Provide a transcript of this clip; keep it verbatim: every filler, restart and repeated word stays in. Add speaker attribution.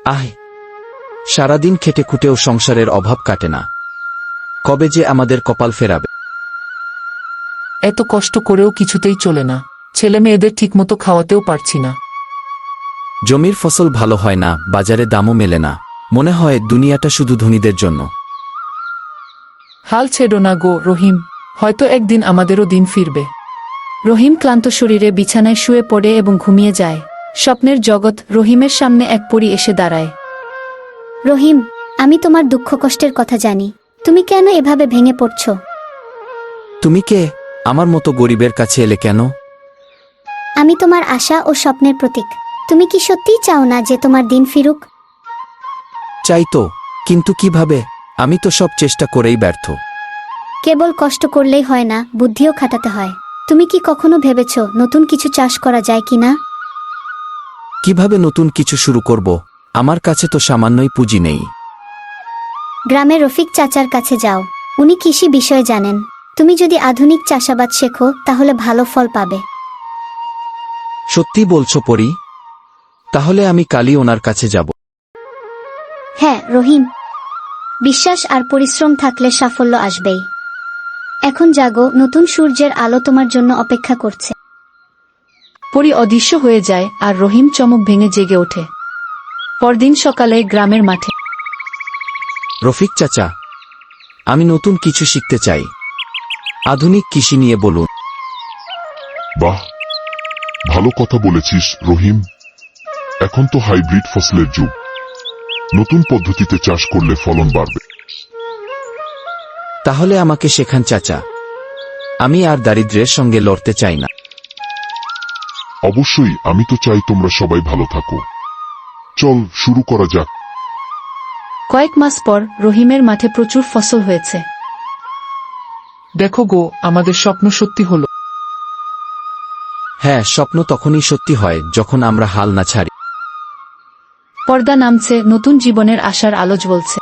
Speaker 1: আহ, সারাদিন খেটে খুঁটেও সংসারের অভাব কাটে না। কবে যে আমাদের কপাল ফেরাবে।
Speaker 2: এত কষ্ট করেও কিছুতেই চলে না, ছেলে মেয়েদের ঠিকমতো খাওয়াতেও পারছি না।
Speaker 1: জমির ফসল ভালো হয় না, বাজারে দামও মেলে না। মনে হয় দুনিয়াটা শুধু ধনীদের জন্য।
Speaker 2: হাল ছেড়ো না গো রহিম, হয়তো একদিন আমাদেরও দিন ফিরবে।
Speaker 3: রহিম ক্লান্ত শরীরে বিছানায় শুয়ে পড়ে এবং ঘুমিয়ে যায়। স্বপ্নের জগৎ রহিমের সামনে এক পরী এসে দাঁড়ায়।
Speaker 4: রহিম, আমি তোমার দুঃখ কষ্টের কথা জানি। তুমি কেন এভাবে ভেঙে পড়ছ?
Speaker 1: তুমি কে? আমার মতো গরিবের কাছে এলে কেন?
Speaker 4: আমি তোমার আশা ও স্বপ্নের প্রতীক। তুমি কি সত্যিই চাও না যে তোমার দিন ফিরুক?
Speaker 1: চাই তো, কিন্তু কিভাবে? আমি তো সব চেষ্টা করেই ব্যর্থ।
Speaker 4: কেবল কষ্ট করলেই হয় না, বুদ্ধিও খাটাতে হয়। তুমি কি কখনো ভেবেছ নতুন কিছু চাষ করা যায় কিনা?
Speaker 1: কিভাবে নতুন কিছু শুরু করব? আমার কাছে তো সামান্যই পুঁজি নেই।
Speaker 4: গ্রামে রফিক চাচার কাছে যাও, উনি কৃষি বিষয়ে জানেন। তুমি যদি আধুনিক চাষাবাদ শেখো তাহলে ভালো ফল পাবে।
Speaker 1: সত্যি বলছো পরি? তাহলে আমি কালই ওনার কাছে যাব।
Speaker 4: হ্যাঁ রহিম, বিশ্বাস আর পরিশ্রম থাকলে সাফল্য আসবেই। এখন জাগো, নতুন সূর্যের আলো তোমার জন্য অপেক্ষা করছে।
Speaker 3: পরী অদৃশ্য হয়ে যায় আর রহিম চমক ভেঙে জেগে ওঠে। পরদিন সকালে গ্রামের মাঠে।
Speaker 1: রফিক চাচা, আমি নতুন কিছু শিখতে চাই। আধুনিক কৃষি নিয়ে বলুন।
Speaker 5: বাহ, ভালো কথা বলেছিস রহিম। এখন তো হাইব্রিড ফসলের যুগ। নতুন পদ্ধতিতে চাষ করলে ফলন বাড়বে।
Speaker 1: তাহলে আমাকে শেখান চাচা। আমি আর দারিদ্র্যের সঙ্গে লড়তে চাই না।
Speaker 5: অবশ্যই, আমি তো চাই তোমরা সবাই ভালো থাকো। চল শুরু করা যাক।
Speaker 3: কয়েক মাস পর রহিমের মাঠে প্রচুর ফসল হয়েছে।
Speaker 2: দেখো গো, আমাদের স্বপ্ন সত্যি হলো।
Speaker 1: হ্যাঁ, স্বপ্ন তখনই সত্যি হয় যখন আমরা হাল না ছাড়ি।
Speaker 3: পর্দা নামছে, নতুন জীবনের আশার আলো জ্বলছে।